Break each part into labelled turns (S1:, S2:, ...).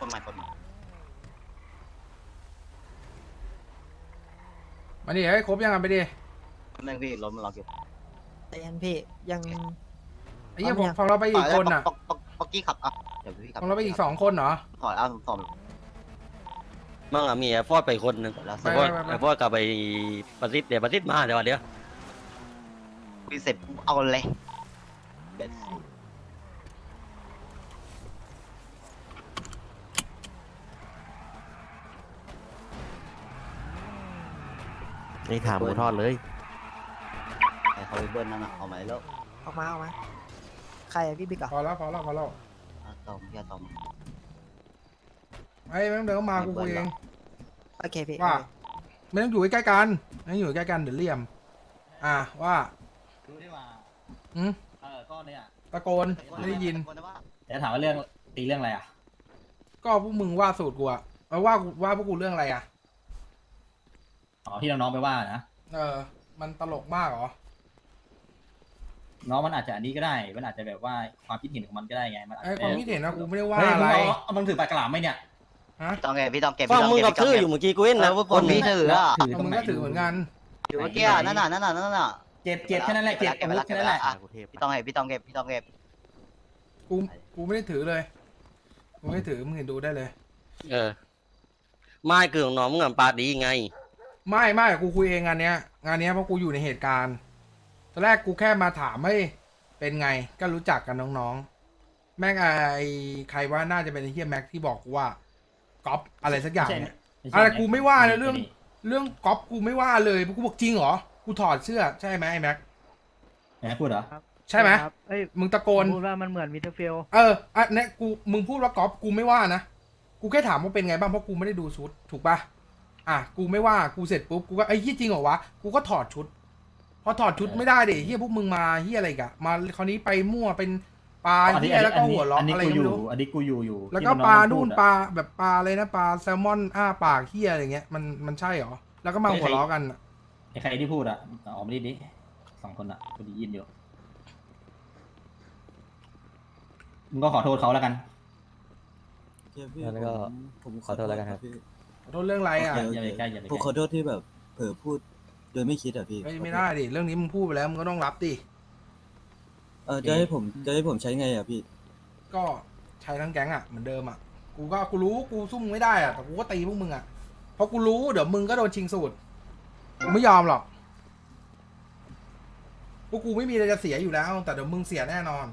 S1: ต้นไม้ต้นไม้
S2: มาดิให้ครบยังกันไปดิ
S1: แม่งพี่รถมันล็อกอยู่
S3: แต่ยันพี่ยัง
S2: ไอ้เหี้ยผมฟังเราไปอีกคนอ่ะ
S1: ป๊อกกี้ขับอ่ะเดี๋ยวพี่ขับ
S2: ฟังเราไปอีก2 คนเหรอ
S1: ถอยเอาสอง
S4: มั่งอะมีไอ้ฟอดไปคนหนึ่ง
S1: แล้ว
S4: ไอ้ฟอดไอ้ฟอดกลับไปประสิทธิ์เดี๋ยวประสิทธิ์มาเดี๋ยว
S1: พี่เสร็จเอาเลยเด็ด
S5: นี่ถามหมูทอดเลย
S1: ไอ้เขาไปเบิ้ลนั่นอ่ะเอามาแล้ว
S3: ออกมาใครอะพี่บิ๊กเหรอ
S2: พอแล้ว
S1: ตอมพี่ตอม
S2: ไอ้แม่งเดินเข้ามากูคุยเอง
S3: โอเคพี่
S2: ว่าไม่ต้องอยู่ใกล้ๆกันไม่ต้องอยู่ใกล้กันเดี๋ยวเหลี่ยมว่า
S6: รู้ได้ว่า ก็เนี่ย
S2: ตะโกนไม่ได้ยิน
S6: แต่ถามว่าเรื่องตีเรื่องอะไรอ่ะ
S2: ก็พวกมึงว่าสูตรกูอะว่าพวกกูเรื่องอะไรอะ
S6: อ๋อที่น้องๆไปว่านะ
S2: มันตลกมากเหรอ
S6: น้องมันอาจจะอันนี้ก็ได้ มันอาจจะแบบว่าความคิดเห็นของมันก็ได้ไง มันอาจ
S2: ไอ้
S6: จะ
S2: ความคิดเห็นนะกูไม่ได้ว่า
S6: เฮ้ย
S2: อะไร
S6: มึงถือปากกระหล่ำไหมเนี่ย
S2: ฮะ
S1: ต้องเก็บพี่ต้องเก็บ
S4: ฟังมึงกับชื่ออยู่เมื่อกี้กูเห็น
S1: แล้
S4: นะ
S1: วคนพี่ถืออ่ะ
S6: ถือตร
S2: มึ
S6: ง
S2: ง
S6: ไหน
S2: ก็ถือเหมือนกัน
S1: อยู่เมื่อกี้นั่นน่ะ
S6: เก็บแค่นั้นแหละ เก็บอาวุธแค่นั้นแหละ
S1: พี่ต้องเก็บพี่ต้องเก็บ
S2: กูไม่ได้ถือเลยกูไม่ได้ถือมึงเห็นดูได้เลย
S4: ไม่คือของน้องมึงอะปาดีไง
S2: ไม่กูคุยเองงานเนี้ยเพราะกูอยู่ในเหตุการณ์ตอนแรกกูแค่มาถามให้เป็นไงก็รู้จักกันน้องๆแม่งไอ้ใครว่าน่าจะเป็นไอ้เฮียแม็กที่บอกกูว่าก๊อปอะไรสักอย่างเนี่ยอะไรกูไม่ว่าเลยเรื่องก๊อปกูไม่ว่าเลยกูบอกจริงเหรอกูถอดเสื้อใช่ไหมไอ้แม็ก
S6: ไหนพูดเหรอ
S2: ใช่ไหม
S7: เอ้ย
S2: มึงตะโกน
S7: พูดว่ามันเหมือนมิเตอร์เฟล
S2: เนี่ยมึงพูดว่าก๊อปกูไม่ว่านะกูแค่ถามว่าเป็นไงบ้างเพราะกูไม่ได้ดูชุดถูกปะกูไม่ว่ากูเสร็จปุ๊บกูก็ไอ้เฮียจริงเหรอวะกูก็ถอดชุดพอถอดชุดไม่ได้ดิเฮียพวกมึงมาเฮียอะไรกะมาคราวนี้ไปมั่วเป็นปลาเฮียแล้วก็หัวล้ออะไรไม่รู้
S6: อันนี้กูอยู่
S2: แล้วก็ปลานู่นปลาแบบปลาอะไรนะปลาแซลมอนปากเฮียอะไรเงี้ยมันใช่เหรอแล้วก็มาหัวล้อกัน
S6: ไอ้ใครที่พูดอ่ะออกมาดิ2 คนอ่ะกูได้ยินอยู่มึงก็ขอโทษเขาแล้วกัน
S5: แล้วก็ผมขอโทษแล้วกันครับ
S2: ขอโทษเรื่องอะไรอ่ะ
S6: อย่าไปใกล้อย่าไปใก
S8: ผม
S6: ล้
S8: ขอโทษที่แบบเผลอพูดโดยไม่คิดอ่ะพี่
S2: ไม่ได้ดิเรื่องนี้มึงพูดไปแล้วมึงก็ต้องรับดิ
S8: จะให้ผมใช้ไงอ่ะพี่
S2: ก็ใช้ทั้งแก๊งอ่ะเหมือนเดิมอ่ะกูรู้กูซุ่มไม่ได้อ่ะแต่กูก็ตีพวกมึงอ่ะเพราะกูรู้เดี๋ยวมึงก็โดนชิงสูตรกูไม่ยอมหรอกพวกกูไม่มีอะไรจะเสียอยู่แล้วแต่เดี๋ยวมึงเสียแน่นอน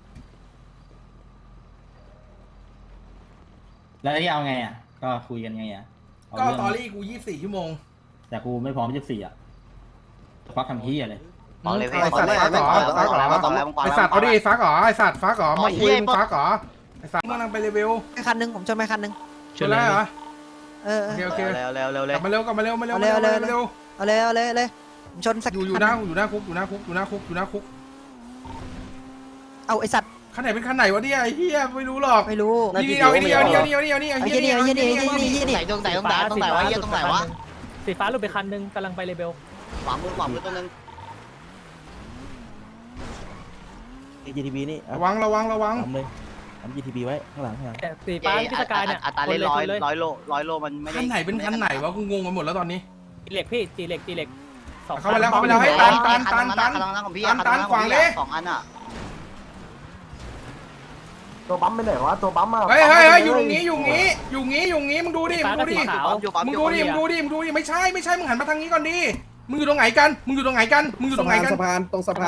S6: แล้วที่เอาไงอ่ะก็คุยกันไงอ่ะ
S2: ก็ตอรี่กู24 ชั่วโมง
S6: แต่กูไม่พร้อม24อ่ะควักทำที่อะไร
S1: บอกเลยพี่
S2: ไอสัตว์ฟักเหรอไอสัตว์เอาดิฟักเหรอไอสัตว์ฟักเหรอมาคุยมึงฟักเหรอไอสัตว์มึงกำลังไปเลเวล
S3: ไปคันนึงผมชนไปคันนึง
S2: ชนแล้วเหรอ โอเค
S1: เร็วเลย
S2: กลับมาเร็วเร็ว
S3: เอาเลยผมชนสัก
S2: อยู่หน้าคุก
S3: เอาไอสัตว์
S2: คันไหนเป็นคันไหนวะเนี่ยไอ้เหี้ยไม่รู้หรอก
S3: ไม่รู้
S2: นี่เอานี่
S3: ไอ้เหี้ยนี่
S1: ไหนตรงไหนวะเฮียตรงไหนวะ
S7: สีฟ้าหลุดไปคันนึงกำลังไปเลเบล
S1: ขวามือตัวนึง
S5: GTB นี่เอา
S2: ระวัง
S5: ทำเลยทำ GTB ไว้ข้างหลัง
S7: แต่สีฟ้าพิสกายเนี่ย
S1: อัตราเล่น100 โลมันไม่ได้
S2: คันไหนเป็นคันไหนวะกูงงไปหมดแล้วตอนนี้
S7: ตีเหล็กพี่ตีเหล็ก2
S2: เข้าไปแล้วให้ตัน
S1: ของพี่
S2: ตันขวางเลย
S1: 2 อันอ่ะ
S5: ตัวปั๊มไปไหนวะตัวปั๊มอ่ะ
S2: เฮ้ยอยู่งี้มึงดูดิมึงดูดิไม่ใช่มึงหันมาทางนี้ก่อนดิมึงอยู่ตรงไหนกันสะพานไหนสะพาน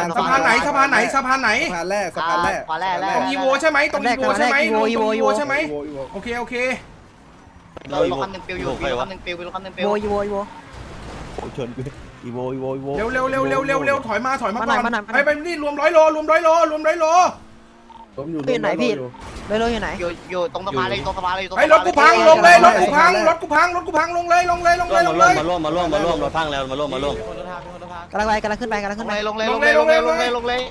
S2: แรก
S1: ขวาแรก
S2: ตรงอีโวใช่ไหมโอเค
S1: รถคันนึงปิวอยู่รถคันนึงปิว
S3: โวย
S5: ชนกูอีโว
S2: เร็วถอยมาก่อนไปนี่รวม100 โล
S3: พี่ไหนพี่เลยอยู่ไหน
S1: อยู่ตรงสะพานเลย
S2: ไอ้รถกูพังลงเลยรถกูพังลงเลย
S4: มาร่วมรถพังแล้วมาร่วม
S3: กำลังขึ้นไป
S1: ลงเลย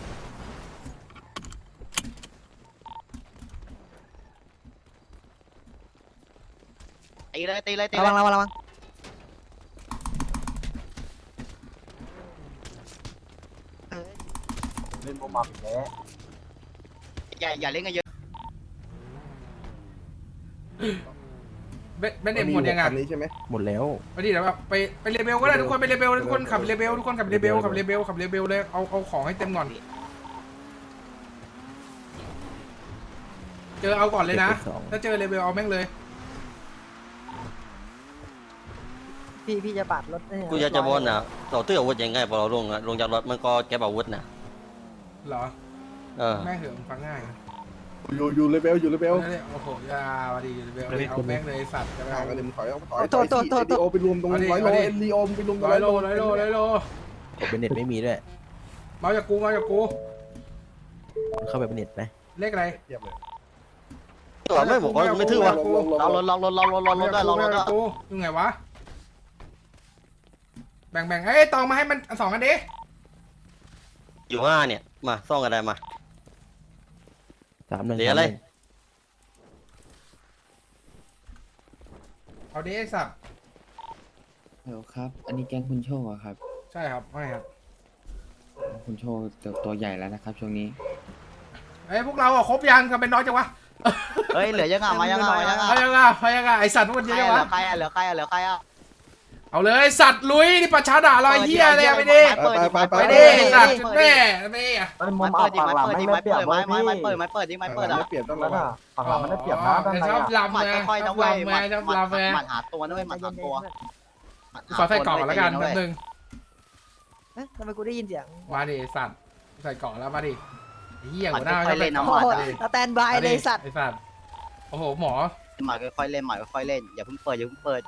S1: ตีเลย
S3: ระวัง
S5: เล่นโมมาอีกแล้ว
S1: อย่าเล่นกันเยอะ
S2: เบนเด็กหมดยังไง
S5: นี้ใช่ไหม
S9: หมดแล้ว
S2: ไปดิเดี๋ยวแบบไปเลเบลก็ได้ทุกคนไปเลเบลทุกคนขับเลเบลทุกคนขับเลเบลขับเลเบลขับเลเบลเลยเอาของให้เต็มก่อนเจอเอาก่อนเลยนะถ้าเจอเลเบลเอาแม่งเลย
S3: พี่จะปาดรถ
S4: กูอยากจะบอกนะเราตื้ออาวุธยังไงพอเราลงจากรถมันก็เก็บอาวุธนะ
S2: เหรอ แม่งเหอะฟังง่าย
S5: อยู่เลเบลอยู่เลเบล
S2: โอ้โหยาวดีเลเบลเอาแม่งเลยสัตว์จะไป
S5: ห่าง
S2: เอา
S5: กันเลยมึงถอยลีโอไปรวมตรงร้อยโลลีโอไปรวมตรง
S2: ร้
S5: ร้
S2: อ
S5: อย ย
S2: โล
S5: โล
S2: ร้อยโล
S9: ผมเป็นเน็ตไม่มีด้วย
S2: มาจากกู
S9: มันเข้าไปเป็นเน็ตไหม
S2: เลขอะไร
S5: เทียบเลย
S4: ตัวไม่บอกว่าไม่ถือวะ
S1: ลองรถด้วยลองรถด้วย
S2: กูยังไงวะแบ่งเอ้ยตองมาให้มันสองกันดิ
S4: อยู่5เนี่ยมาซ่องกันได้มา
S9: 3-1
S4: เดี๋ยวอะไร
S2: เอาดิไอ้สัตว์
S10: ฮัลโหลครับ อันนี้แก๊งคุณโชคอะครับ
S2: ใช่ครับไม่ครับ
S10: คุณโชคตัวใหญ่แล้วนะครับช่วงนี้
S2: เอ้ยพวกเราอ่ะครบยังกันเป็นน้อยจังวะ
S1: เฮ้ยเหลือยังไงมายังไงมายังไง
S2: พยังไงไอสัตว์พวกมัน
S1: ใค
S2: เย
S1: ร
S2: อะ
S1: เห
S2: จั
S1: ลื
S2: ง
S1: อ
S2: วะ
S1: ใครเหลือใครเหลือใครอ่ะ
S2: เอาเลยสัตว์ลุยนี่ประชาด่าลอยเฮียเลยไปดิ
S5: ไป
S2: ไปดิสัตว์แม่ไม่อะ
S1: ไม่เปิดดิไม่เปิดดิไม่เปิดไม่เปิดไม่เปิดดิไม่เปิดอ่ะ
S5: ไม่เปลี่ยนต้องระวัง
S2: ฝั่งหลังมันได้เปรียบนะชอบลำ
S1: หมัด
S2: ไง
S1: ค่อยๆ
S2: ช
S1: นะ
S2: อบ
S1: เว้ย
S2: ลำไงชอบลำไง
S1: หมัดหาตัวนะเว้ยหมัดหาตัว
S2: ขอใส่กล่องก่อนแล้วกันแป๊บนึง
S3: ทำไมกูได้ยินเสียง
S2: มาดิสัตว์ใส่กล่องแล้วมาดิเฮียหัวหน้า
S1: ค่อยเล่นนะ
S3: โอ้
S1: หมัด
S3: โหสแตนบายเลยสัตว์
S2: ไอสัตว์โอ้โหหมอ
S1: หมัดค่อยเล่นหมัดค่อยเล่นอย่าเพิ่งเปิดอย่าเพิ่งเปิด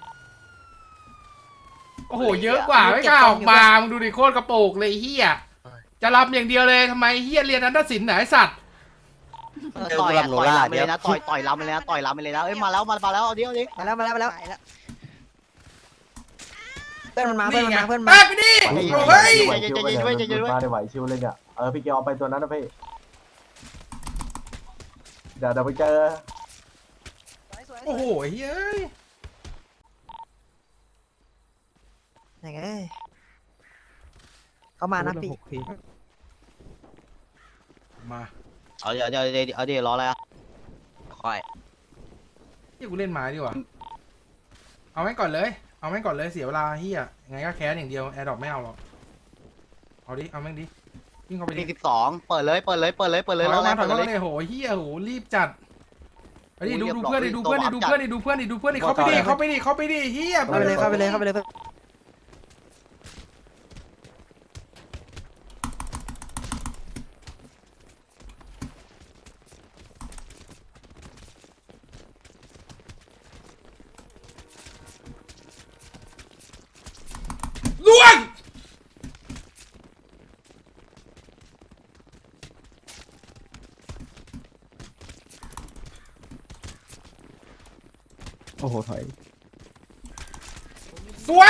S2: โอ้โหเยอะกว่าไม่กล้าออกมามึงดูดิโคตรกระโปงเลยเฮียจะรับอย่างเดียวเลยทำไมเฮียเรียนนันทศิลป์ไหนสัตว์
S1: ต่อยลำไปเลยนะต่อยลำไปเลยนะต่อยลำไปเลยนะเอ้ยมาแล้วเอาดิเอาดิ
S3: มาแล้วเพื่อนมันมาเพื่อนมัน
S2: ไง
S3: มาเพื่อน
S2: ไป
S3: มา
S2: ไปดิเฮ้ย
S1: ใจเย็นไว้ใจเย็นไว้
S5: มาได้ไหวชิวเลยเนี่ยพี่เกียวเอาไปตัวนั้นนะพี่เดี๋ยวไปเจอ
S2: โอ้โหเฮ้ย
S3: ยังไงเขามานะพี่
S2: มา
S1: เอาเดี๋ยวรออะไรอ่ะค่อย
S2: ที่กูเล่นไม้ดีกว่าเอาแม่งก่อนเลยเสียเวลาเฮียยังไงก็แคสอย่างเดียวแอร์ดรอปไม่เอาหรอกเอาดิเอาแม่งดิวิ่งเข้าไปดิ
S1: 12เปิดเลยรอ
S2: ถ
S1: อะไร
S2: อย
S1: เปิด
S2: มา
S1: เลย
S2: เลยโหเฮียโหรีบจัดไปดิดูเพื่อนดิดูเพื่อนดิเข้าไปดิเฮีย
S3: เข้าไปเลย
S2: ล่วง
S9: โอ้โหถอย
S2: สวย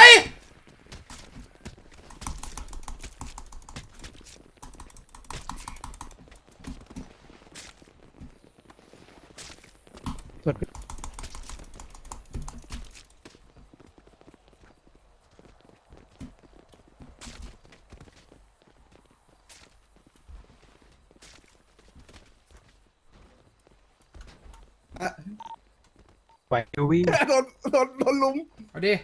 S9: ไปวิ่ง
S5: โดนลุม
S2: เอาดิ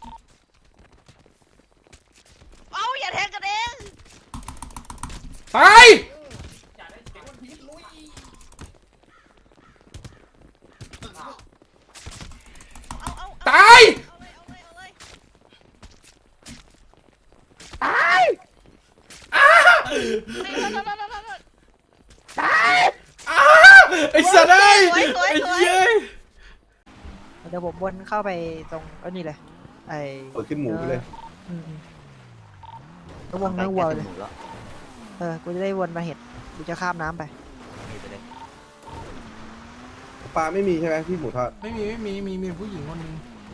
S3: เอาอย่าแทงกันเอง
S2: ตายตายไอ้สัตว์ไอ้เหี้ย
S3: เดี๋ยวผมวนเข้าไปตรงนี่เลยไอ้
S5: เปิดขึ้นหมูไปเลย
S3: วงเนื้อวัวเลยกูจะได้วนมาเห็ดกูจะข้ามน้ำไป
S5: ปลาไม่มีใช่ไหมพี่หมูทอด
S2: ไม่มีผู้หญิงคนนึง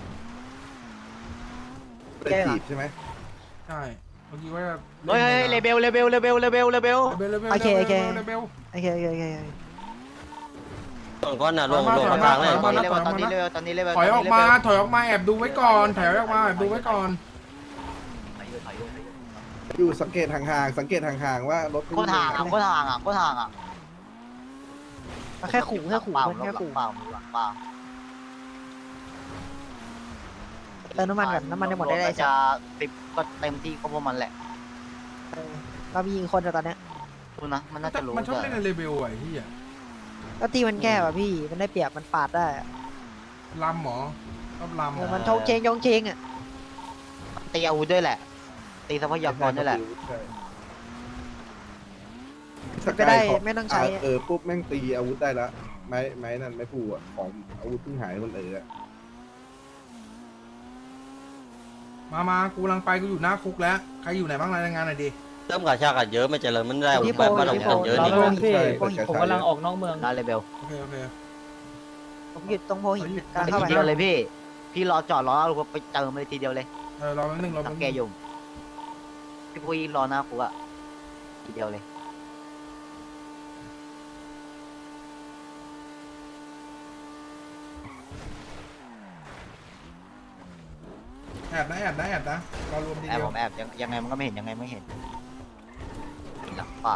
S5: เป็นจีบใช่ไหม
S2: ใช่เมื่อกี้ว่า
S1: เฮ้ยเลเบล
S3: โอเค
S2: เลเบล
S3: โอเค
S4: ตอนก้อนน่ะลงมาทางเลย
S1: ตอนนี้เลเบล
S2: ถอยออกมาแอบดูไว้ก่อนแอน
S5: อยู่สังเกตห่างๆว่ารถ
S1: ก็ทางอ่ะ
S3: แค่ขู่เพื่อนแค่ขู่
S1: เปล่า
S3: เติมน้ำมันก่อนน้ำมันจะหมดได้เลย
S1: จะ10ก็เต็มที่ก็พวกมันแหละ
S3: เรามียิงคนอะตอนเนี้ย
S1: ดูนะมันน่าจะรู้
S2: มันชอบเล่นในเลเวลไอ้ที่อ่ะ
S3: ก็ตีมันแก้ว่ะพี่มันได้เปรียบมันปาดได้อะ
S2: ลำหมอชอบลำ
S3: มันชงเชงอ่ะ
S1: ตีอาวุธด้วยแหละ ตีทรัพยากรด้วยแหละ
S3: ก็ได้ไม่ต้องใช้
S11: ปุ๊บแม่งตีอาวุธได้ละไม้นั่นไม้ผูอ่ะของอาวุธเพิ่งหายคนอ่ะ
S2: มากูกำลังไปกูอยู่หน้าคุกแล้วใครอยู่ไหนบ้างรายงานหน่อยดิ
S4: เริ่มกระชากกันเยอะไม่เจริญมันได้แบบบ้านเราคนเยอะ
S7: เรา
S4: นี่
S7: เริ่มพี่ผมกำลังออกนอกเมือง
S1: ได้เลยเบล
S2: โอเคโอเค
S3: ผมหยุดตรงโพหินกำลัง
S1: ไป
S3: เข้า
S1: ที
S3: ไป
S1: เดียวเลยพี่ พี่รอจอดรอเอาไปเติมเลยทีเดียวเลย
S2: รอแป๊บนึงรอ
S1: สั
S2: แป๊
S1: ง
S2: บ
S1: แก
S2: นึง
S1: ยุ่มพี่ปุ้ยรอหน้าคุกอะทีเดียวเลย
S2: แอบนะรอรวมที
S1: แอบ
S2: เดีย
S1: ผ
S2: ว
S1: มแอบยังไงมันก็ไม่เห็นยังไงไม่เห็นหลังป่า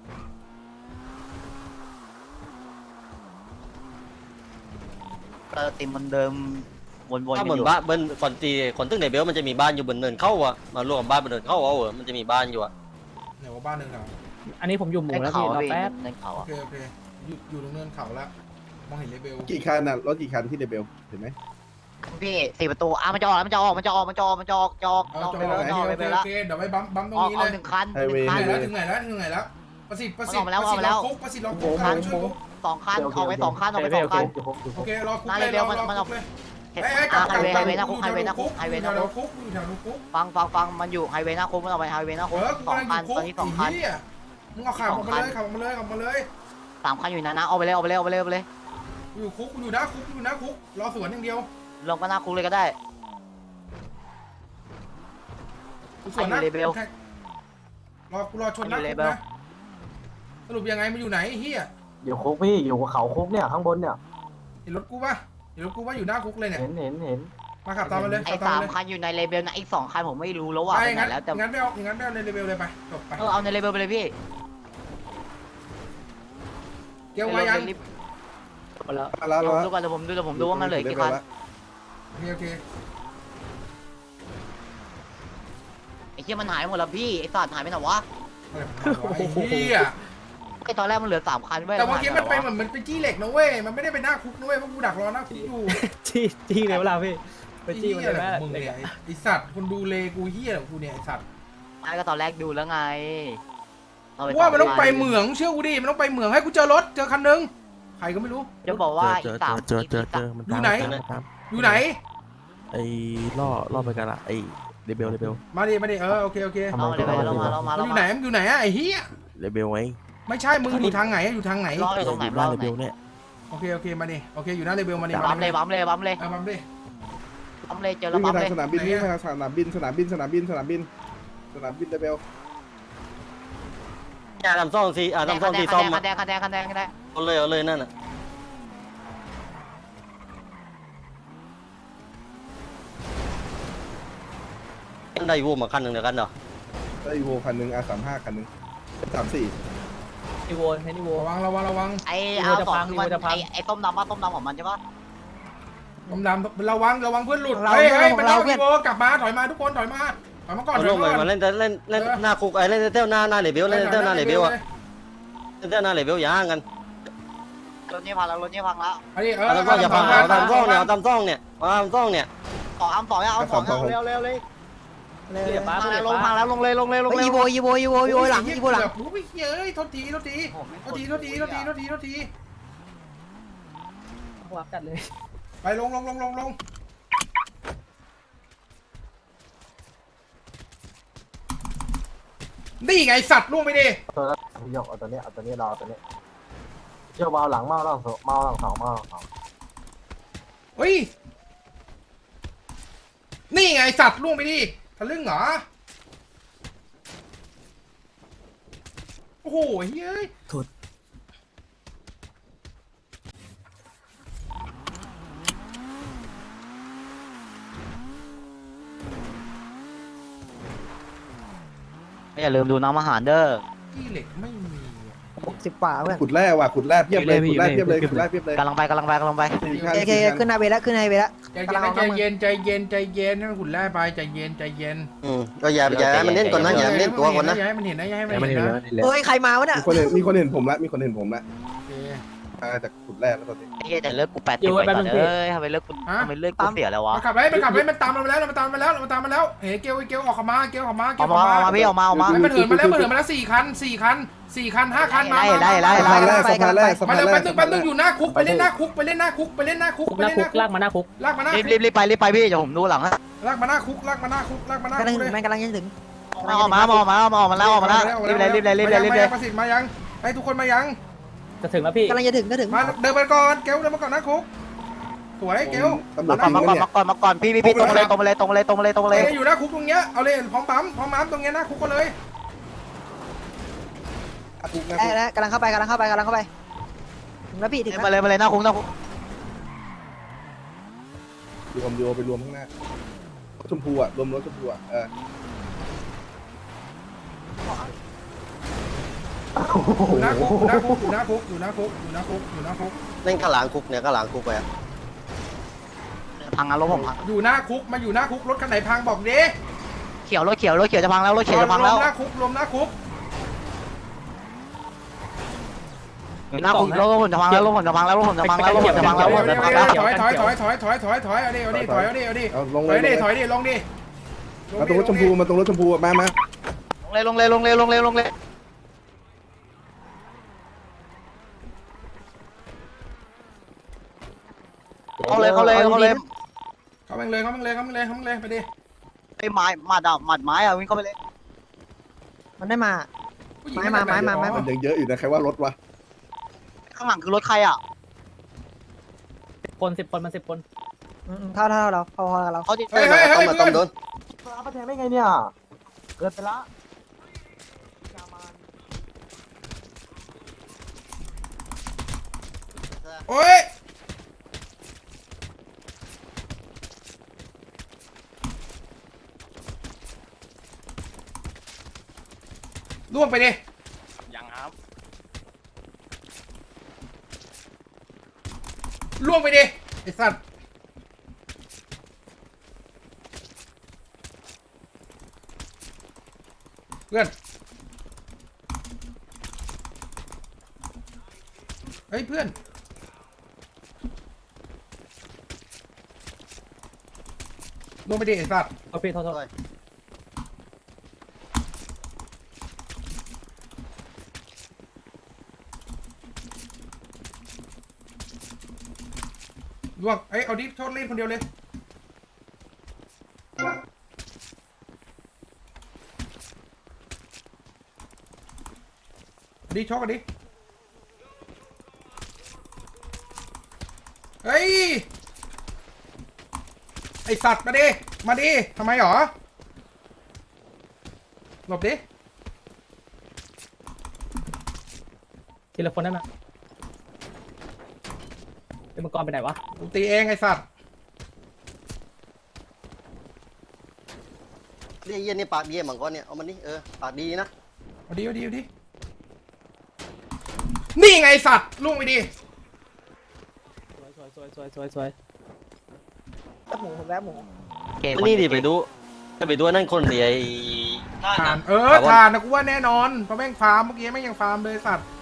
S1: ติมมันเดิมวนๆ
S4: ถ้า
S1: กัน
S4: เหมือ
S1: อน ยู่
S4: บ้านบนคนตึ้งในเบลมันจะมีบ้านอยู่บนเนินเข้าอะมารวมบ้านบนเนินเข้าเอามันจะมีบ้านอยู่อะ
S2: ไหนว่าบ้านหนึ่งเหรอ
S7: อันนี้ผมอยู่หมู่
S1: ใน
S7: แล้ว
S1: เขา
S7: พี่รอ
S1: พี่
S7: แป๊บ
S1: ในเขา
S2: โอ
S1: อะ
S2: เคอยู่ตรงเนินเขาแล้วมองเห็นเลเวล
S11: กี่คันน่ะรถกี่คันที่เดเบลเห็นไหม
S1: พี่4 ประตูมันจะออกจะออกจะออกไปแล้ว
S2: โอเคเดี๋ยวไปบัมตรง
S1: ออก
S2: นี้
S1: เอา
S2: เลย
S1: 1 คัน
S2: ถึงไหนแล้วประสิทธิ์รอคุกช่วยคุก
S1: 2 คันออกไป2 คันออกไป2 คัน
S2: โอเครอคุกเลยรอคุกเลย
S1: ไฮเวย์หน้าคุกไฮเวย์หน้าคุกไฮเวย์หน้าคุก
S2: คุกอยู่แถวคุก
S1: ฟังมันอยู่ไฮเวย์หน้าคุกมันออกไปไฮเวย์หน้าคุก
S2: กูกำลัง
S1: 2 คัน
S2: คุก
S1: ตอนนี้2 คัน
S2: มึงเอาขับออกมาเลย
S1: 3 คันอยู่นะเอาไปเลย
S2: อยู่คุกอยู่นะคุกรอสวนอย่างเดียว
S1: ลงก็หน้าคุกเลยก็ได้
S2: สวนนะรอชนนะสรุปยังไงมันอยู่ไหนเฮีย
S5: อยู่คุกพี่อยู่เขาคุกเนี่ยข้างบนเนี่ย
S2: เห็นรถกูป่ะอยู่หน้าคุกเลยเนี่ย
S5: เห็น
S2: มาขับตามมาเลย
S1: ไอ้3 คันอยู่ในเลเบลนะอีก2 คันผมไม่รู้แล้วว่า
S2: ไป
S1: ไปไหน
S2: งั้น
S1: แล้วแต่
S2: ไม่เอาในเลเวลเลยไปจบไป
S1: เอาในเลเบลไปเลยพี่
S2: เกี่ยวมายัง
S7: แล้ว
S11: แล้ว
S1: ดูก่อนเดี๋ยวผมดูว่ามันเหลือกี่คัน
S2: โอเค
S1: ไอ้เหี้ยมันหายหมดแล้วพี่ไอ้สัตว์หายไปไหนวะ
S2: เฮีย
S1: ไอ้ตอนแรกมันเหลือ3 คันเว้ย
S2: แต่เมื่อกี้มันไปเหมือนมันเป็นจี้เหล็กนะเว้ยมันไม่ได้ไปหน้าคุกนะเว้ยเพราะกูดักรอหน้าคุกอยู่
S7: จี้เลยเวลาพี่ไปจี้มันเลยแม่
S2: มึงเนี่ยไอสัตว์คนดูเลกูเฮียกูเนี่ยไอสัตว์
S1: ไอ้ก็ตอนแรกดูแล้วไง
S2: ว่ามันต้องไปเหมืองเชื่อกูดิมันต้องไปเหมืองให้กูเจอรถเจอคันนึงใครก็ไม่รู้
S1: จะบอกว่าอีก3
S9: มัน
S2: อยู่ไหน อยู่ไหน
S9: ไอ้ล่อไปกันละไอ้เลเบล
S2: มาดิโอเค
S1: เอาเลยไปเรามา
S2: มันอยู่ไหนอะไอ้เฮีย
S9: เลเบลไว้
S2: ไม่ใช่มึงอยู่ทางไหนอยู่ทางไหน
S1: รออยู่ตรงไหน
S9: บ้านเลเบลเนี่ย
S2: โอเคมาดิโอเคอยู่หน้าเลเวลมาดิ
S1: บัมเลยบัมเลย
S2: บัมดิ
S1: เจอแล้ว
S11: วิ่ง
S1: บั
S11: ไป
S1: มเลย
S11: ทางสนามบินวิ่งไปทางสนามบินเดเบล
S4: ทำซ่องซีทำซ่องซีซ่อม
S1: คันแดง
S4: เอาเลยนั่นน่ะได้วูมาคันหนึ่งเดียวกันเหรอ
S11: ได้อีโวคันนึงR35คันนึง34
S7: นิโวให้นิโว
S2: ระวัง
S1: ไอ้เอา2มันไอ้ต้มดำของมันใช่ปะ
S2: ดำระวังเพื่อนหลุดเฮ้ยมันเอาพี่โบกลับมาถอยมาทุกคนถอยมาก่อน
S4: เอาลงมาเล่นหน้าคุกเล่นเต้าหน้าเลเบลเล่นเต้าหน้าเลเบลอะเล่นเต้าหน้าเลเบลย่างกัน
S1: รถนี้พังแล้ว
S2: อันนี้
S4: ทำซ่องอย่าฟังเอาทำซ่องเนี่ยทำซ่องเนี่ย
S1: 2 เอา2เร็ว
S7: เรียบป้า
S1: ลงพังแล้วลงเลย
S3: อีโวหลังอีโวหลัง
S2: กูไม่เฮ้ยโทษที
S7: วับจัดเลย
S2: ไปลงนี่ไงสัตว์ล่วงไปดิ
S5: พี่ยกเอาตัวนี้รอตัวนี้เชี่ยวเบาหลังเมาหลังสอง
S2: เฮ้ยนี่ไงสัตว์ล่วงไปดิทะลึ่งเหรอโอ้โหเฮ้ย
S1: อย่าลืมดูน้ำอาหารเด้อ
S2: ที่เหล็กไม่มี
S3: 60 กว่าเพื่อน
S11: ขุดแร่ว่ะขุดแร่เพียบเลยขุดแร่เพียบเลยขุดแร่เพียบเลย
S1: กำลังไปกำลังไปกำลังไป
S3: โอเคขึ้นไฮเวย์แล้วขึ้นไฮเวย์แล้ว
S2: ใจ
S3: กำลังเอา
S2: เย็นใจเย็นใจเย็นให้มันขุดแร่ไปใจเย็นใจเย็น
S4: ก็อย่าให้มันเล่นก่อนนะอย่าให้มันเล่นตัวก่อนนะ
S2: อย่าให้มันเห็นนะอย่าให้มัน
S9: ไม่
S2: เห็น
S9: เห็น
S2: นะ
S9: แล้วนี่แหละ
S3: เฮ้ยใครมาวะเนี่ย
S11: มีคนเห็นผมละมีคนเห็นผมละ
S2: โอเค
S11: มาจากขุดแร่แล้วตอนนี้
S1: ไอ้เหี้ยแต่เลิกกู80ไปก่อนเอ้ยทำไมเลิกกูทำไมเลิกกูเสียแล้ววะ
S2: มันขับไปมันตามเรามาแล้วมันตามมาแล้วมันตามมาแล้วเฮ้ยเกลออกมาเกลออกมา
S1: เอามาพี่เอามา
S2: มันเหินมาแล้ว4 คัน5 คันมา
S1: ไล่
S11: สะพานแร่สะพานแร่สะ
S2: มา
S11: พาน
S2: เร็ว
S11: แร่
S2: แป๊บนึงอยู่หน้าคุกไปเล่นหน้าคุกไปเล่นหน้าคุกไปเล่นหน้าคุก
S7: หน้าคุกลากมาหน้าคุก
S2: ลากมาหน้า
S1: รีบไปพี่เดี๋ยวผมดูหลังฮะ
S2: ลากมาหน้าคุกลากมาหน้าคุกลากมาหน้าก
S3: ำลัง
S2: คุก
S3: ถึ
S2: เล
S3: ง
S2: ย
S3: แม่งกำลังจะถึง
S1: เอามาแล้วรีบเลย
S2: ประสิทธิ์มายังให้ทุกคนมายัง
S7: จะถึงแล้วพี่
S3: กำลังจะถึงก็ถึง
S2: มาเดินไปก่อนเกลเดินมาก่อนหน้าคุกสวยเกล
S11: ตำรวจ
S1: มาก่อนพี่ตรงเลย
S2: อยู่หน้าคุกตรงเนี้ยเอาเลยพร้อมปั๊มตรงเนี้ยหน้าคุกก็เลย
S3: ได้แล้วกำลังเข้าไปถึงแล้วพี่ถึง
S1: มา
S3: แล้ว
S1: เลยหน้าคุก
S11: รวมโยไปรวมข้างหน้าชมพูอ่ะรวมรถชมพูอ่ะ
S2: อยู่หน้าคุกอยู่หน้าคุกอยู่หน้าคุกอยู่หน้าคุก
S4: เล่นข้างหลังคุกเนี่ยข้างหลังคุกไป
S1: พังรถผมพัง
S2: อยู่หน้าคุกมาอยู่หน้าคุกรถคันไหนพังบอกดิ
S1: เขียวรถเขียวจะพังแล้วรถเขียวจะพังแล้ว
S2: รวมหน้าคุกรวมหน้าคุก
S1: หน้าคุกรถผมจะพังแล้วรถผมจะพังแล้ว
S2: ถอยเอาดิลงดิ
S11: มาตรงรถชมพูมาตรงรถชมพูมา
S1: ลงเลยลงเลยเข้าเลย
S2: เข้าไปเลยไปดิ
S1: ไอ้ไม้หมัดไม้อะวิ่งเข้าไปเลย
S3: มันได้มาไม้
S11: มันยังเยอะอยู่นะใครว่ารถวะ
S1: ข้างหลังคือรถใครอ่ะ
S7: 10 คนมัน10 คน
S3: เท่าเราพอเรา
S1: เขาที่
S2: เฮ้ย
S4: ต้องโดน
S5: เอาไปแทงได้ไงเนี่ยเกิดไปละ
S2: โอ้ยล่วงไปดิยังครับล่วงไปดิไอ้สัตว์เพื่อนเฮ้ยเพื่อนล่วงไปดิไอ้สัตว์
S7: เอาพี่โทษ
S2: ล่วงเอ้ยเอาดิโทษเล่นคนเดียวเลยดิโชคกันดิเฮ้ยไอสัตว์มาดิทำไมหรอหลบดิ
S7: ทีละคนได้ไหมเป็นมังกรไปไหนวะ
S2: กูตีเองไอสัตว์
S4: นี่เยี่ยนี่ปากดีมังกรเนี่ยเอามันนี่ปากดีนะ
S2: เอาดินี่ไงไอสัตว์ล่วงไปดิ
S7: สวย
S3: หมูผมแล้วหมู
S4: นี่ดิไปดูนั่นคนเดีย
S2: ทานทานนะกูว่าแน่นอนเพราะแม่งฟาร์มเมื่อกี้แม่งยังฟาร์มเลยสัตว์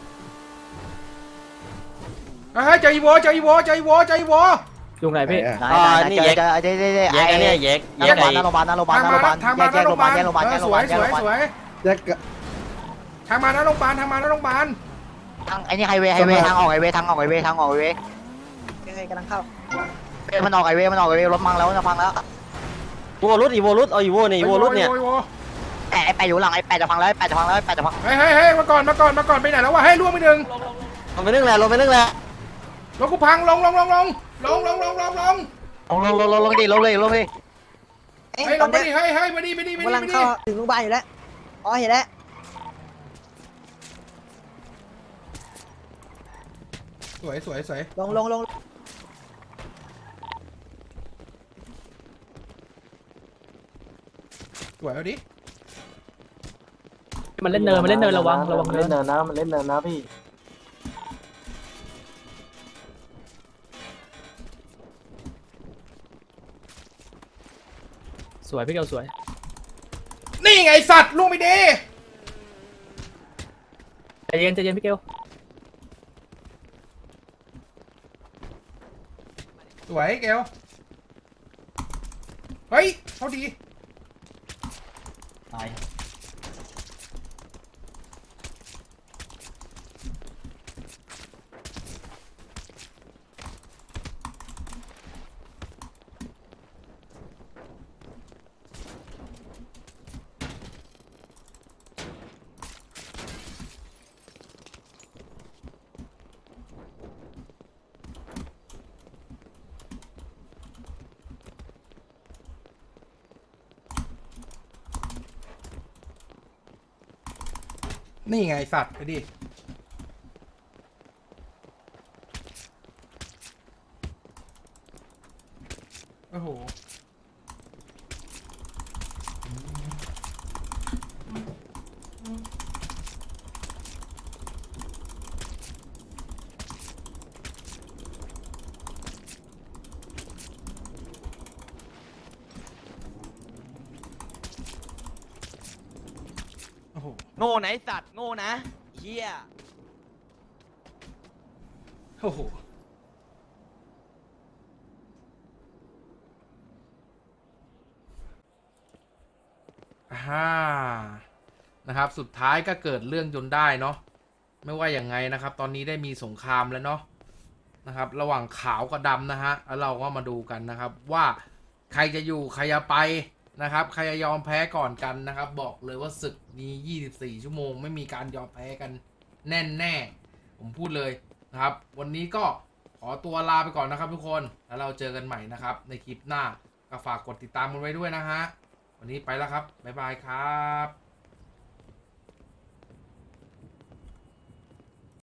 S2: เฮ้ยเจออีโว
S7: อยู่ไหนพี่
S4: นี่แยกอันนี้แยก
S1: หน้าโรงพยาบาลแยกโรงพยาบาล
S2: สวยแยกทางมาหน้าโรงพยาบาลทาง
S1: ไอ้นี่ไฮเวย์ทางออกไฮเวย์
S3: ยังไงกำลังเข้า
S1: มันออกไฮเวย์รถพังแล้วจะพังแล้ว
S4: อีโวรุดเอาอีโวเนี่ยอีโวรุดเนี่ย
S1: ไอ้แปะอยู่หลังไอ้แปะจะพังแล้วจะพัง
S2: เฮ้ยมาก่อนไปไหนแล้ววะให้ล่วงไปหนึ่ง
S4: ลงไปนึ่งแหละ
S2: รถกูพังลงดิ
S3: เอ้ย
S2: เฮ้ยลงไปดิเฮ้ยมาดิ
S3: กำลังเข้าถึงโรงพยาบาลอยู่แล้วอ๋อเห็นแล้ว
S2: สวย
S3: ลง
S2: สวยเอาดิ
S7: มันเล่นเนินมันเล่นเนินระวังระวัง
S5: มัน
S7: เนิ
S5: เล่
S7: น
S5: นเนินนะมันเล่นเนินนะพี่
S7: สวยพี่เกลสวย
S2: นี่ไงสัตว์ลูกไม่ดี
S7: ใจเย็นใจเย็นพี่เกล
S2: สวยเกลเฮ้ยเขาดี
S6: ตาย
S2: นี่ไงสัตว์ไปดิโอ้โหโอ้โห
S1: โง่ไหนสัตว์โง่นะเฮีย
S2: โอ้โหนะครับ สุดท้ายก็เกิดเรื่องจนได้เนาะ ไม่ว่าอย่างไงนะครับ ตอนนี้ได้มีสงครามแล้วเนาะนะครับ ระหว่างขาวกับดำนะฮะ แล้วเราก็มาดูกันนะครับว่าใครจะอยู่ใครจะไปนะครับ ใครจะยอมแพ้ก่อนกันนะครับ บอกเลยว่าศึกนี้24 ชั่วโมงไม่มีการยอมแพ้กันแน่ๆผมพูดเลยนะครับ วันนี้ก็ขอตัวลาไปก่อนนะครับทุกคน แล้วเราเจอกันใหม่นะครับในคลิปหน้าก็ฝากกดติดตามกันไว้ด้วยนะฮะ วันนี้ไปแล้วครับบ๊ายบายครับ